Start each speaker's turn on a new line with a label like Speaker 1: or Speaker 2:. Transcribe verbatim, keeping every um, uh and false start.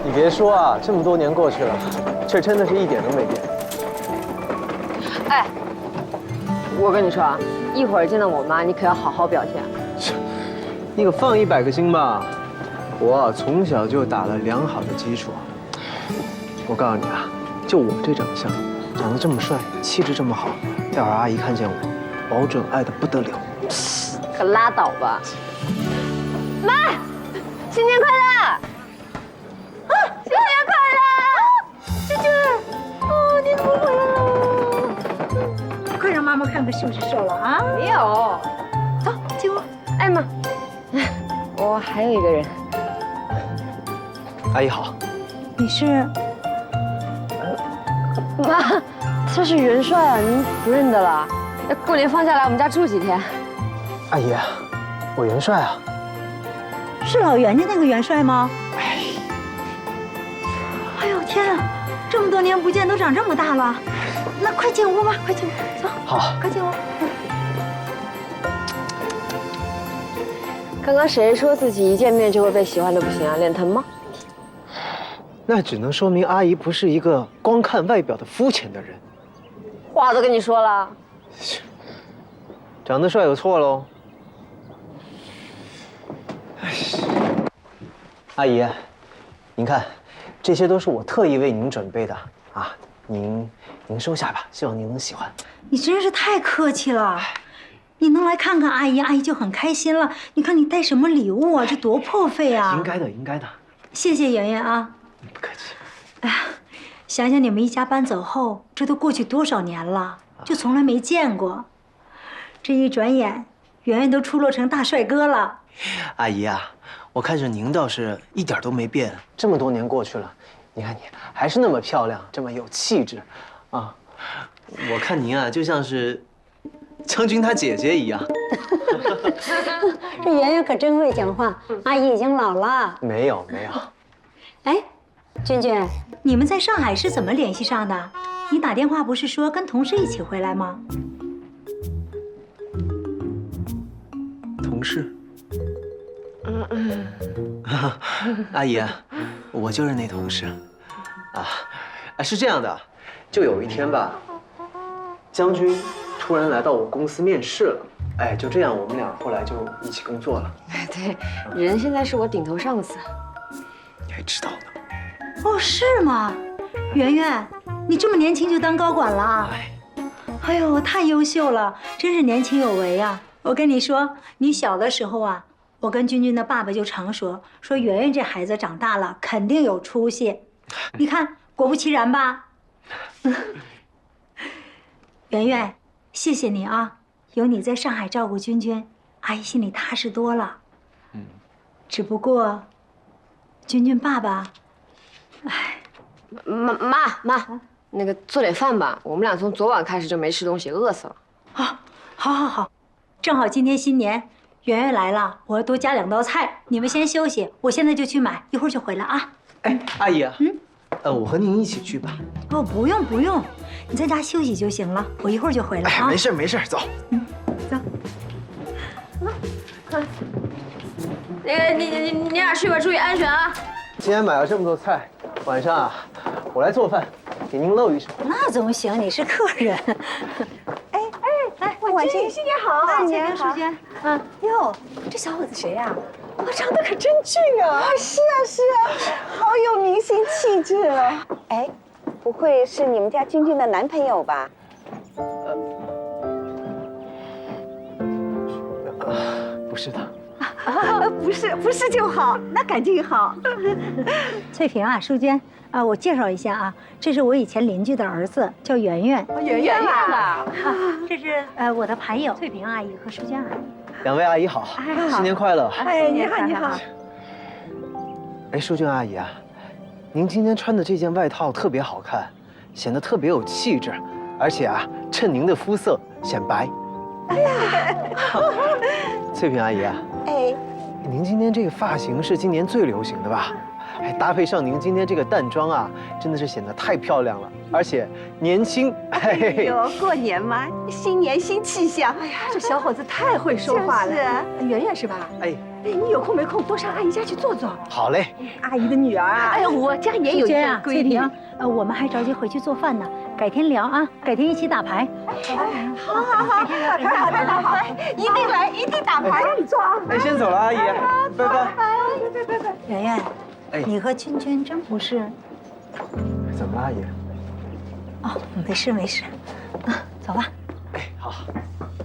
Speaker 1: 你别说啊，这么多年过去了，这真的是一点都没变。
Speaker 2: 哎，我跟你说啊，一会儿见到我妈，你可要好好表现。
Speaker 1: 你可放一百个心吧，我啊从小就打了良好的基础。我告诉你啊，就我这长相，长得这么帅，气质这么好，待会儿阿姨看见我，保准爱得不得了。
Speaker 2: 可拉倒吧！妈，新年快乐！啊，新年快乐！娟娟，哦，你怎么回来了？
Speaker 3: 快让妈妈看看是不是瘦了啊？
Speaker 2: 没有。
Speaker 3: 走，进屋。
Speaker 2: 哎妈，我还有一个人。
Speaker 1: 阿姨好。
Speaker 3: 你是？
Speaker 2: 妈，他是元帅啊，您不认得了？那过年放假来我们家住几天？
Speaker 1: 阿姨，我元帅啊。
Speaker 3: 是老袁家那个元帅吗？哎，哎呦天啊，这么多年不见，都长这么大了。那快进屋吧，快进屋，走。
Speaker 1: 好，
Speaker 3: 快进屋。
Speaker 2: 刚刚谁说自己一见面就会被喜欢的不行啊？脸疼吗？
Speaker 1: 那只能说明阿姨不是一个光看外表的肤浅的人。
Speaker 2: 话都跟你说了。
Speaker 1: 长得帅有错喽？阿姨，您看，这些都是我特意为您准备的啊，您您收下吧，希望您能喜欢。
Speaker 3: 你真是太客气了，你能来看看阿姨，阿姨就很开心了。你看你带什么礼物啊？这多破费啊！
Speaker 1: 应该的，应该的。
Speaker 3: 谢谢圆圆啊。
Speaker 1: 不客气。
Speaker 3: 哎呀，想想你们一家搬走后，这都过去多少年了，就从来没见过。这一转眼，圆圆都出落成大帅哥了。
Speaker 1: 阿姨啊，我看着您倒是一点都没变，这么多年过去了，你看你还是那么漂亮，这么有气质，啊，我看您啊就像是将军他姐姐一样。
Speaker 4: 这圆圆可真会讲话，阿姨已经老了。
Speaker 1: 没有没有。
Speaker 4: 哎，娟娟，
Speaker 3: 你们在上海是怎么联系上的？你打电话不是说跟同事一起回来吗？
Speaker 1: 同事。嗯嗯。阿姨，我就是那同事。啊，啊是这样的，就有一天吧，将军突然来到我公司面试了。哎，就这样，我们俩后来就一起工作了。
Speaker 2: 对，人现在是我顶头上司。
Speaker 1: 你还知道呢？
Speaker 3: 哦，是吗？圆圆，你这么年轻就当高管了？哎呦，太优秀了，真是年轻有为呀！我跟你说，你小的时候啊，我跟君君的爸爸就常说，说圆圆这孩子长大了肯定有出息。你看，果不其然吧？圆圆，谢谢你啊，有你在上海照顾君君，阿姨心里踏实多了。嗯，只不过，君君爸爸，哎，
Speaker 2: 妈妈妈，那个做点饭吧，我们俩从昨晚开始就没吃东西，饿死了。
Speaker 3: 啊，好，好，好，正好今天新年，圆圆来了，我要多加两道菜。你们先休息，我现在就去买，一会儿就回来啊。
Speaker 1: 哎，阿姨啊，嗯，呃，我和您一起去吧。
Speaker 3: 哦，不用不用，你在家休息就行了，我一会儿就回来啊。
Speaker 1: 没事没事，走。
Speaker 3: 嗯，走。
Speaker 2: 快，那个你你你俩去吧，注意安全啊。
Speaker 1: 今天买了这么多菜，晚上啊，我来做饭，给您露一手。
Speaker 3: 那总行，你是客人。
Speaker 5: 哎哎，来，婉清，新年好！
Speaker 3: 新年好，淑娟。
Speaker 5: 嗯，哟，这小伙子谁呀？哇，长得可真俊啊！是啊是啊，好有明星气质哦。哎，不会是你们家君君的男朋友吧？
Speaker 1: 呃，不是的。
Speaker 5: 啊，不是，不是就好，那感情好。
Speaker 3: 翠萍啊，淑娟啊，我介绍一下啊，这是我以前邻居的儿子，叫圆圆。
Speaker 5: 圆圆啊，
Speaker 3: 这是呃我的盘友翠萍阿姨和淑娟阿姨。
Speaker 1: 两位阿姨好，新年快乐！
Speaker 5: 哎，你好，你好。
Speaker 1: 哎，淑娟阿姨啊，您今天穿的这件外套特别好看，显得特别有气质，而且啊，衬您的肤色显白。哎呀，翠萍阿姨啊，
Speaker 5: 哎，
Speaker 1: 您今天这个发型是今年最流行的吧？哎，搭配上您今天这个淡妆啊，真的是显得太漂亮了，而且年轻。
Speaker 5: 哎呦，过年嘛，新年新气象。哎呀，这小伙子太会说话了。是，圆圆是吧？
Speaker 1: 哎，
Speaker 5: 你有空没空多上阿姨家去坐坐。
Speaker 1: 好嘞。
Speaker 5: 阿姨的女儿啊，哎呀，我家也有一
Speaker 3: 娟啊，
Speaker 5: 个闺女。
Speaker 3: 翠萍，呃，我们还着急回去做饭呢，改天聊啊，改天一起打牌。
Speaker 5: 好好好，打牌好，打牌，一定来，一定打牌，让你坐啊。
Speaker 1: 哎，先走了，阿姨，拜拜。
Speaker 5: 拜拜拜。
Speaker 3: 圆圆，
Speaker 1: 哎，
Speaker 3: 你和娟娟真不是……
Speaker 1: 怎么了，阿姨？
Speaker 3: 哦，没事没事，啊，走吧。
Speaker 1: 哎，好。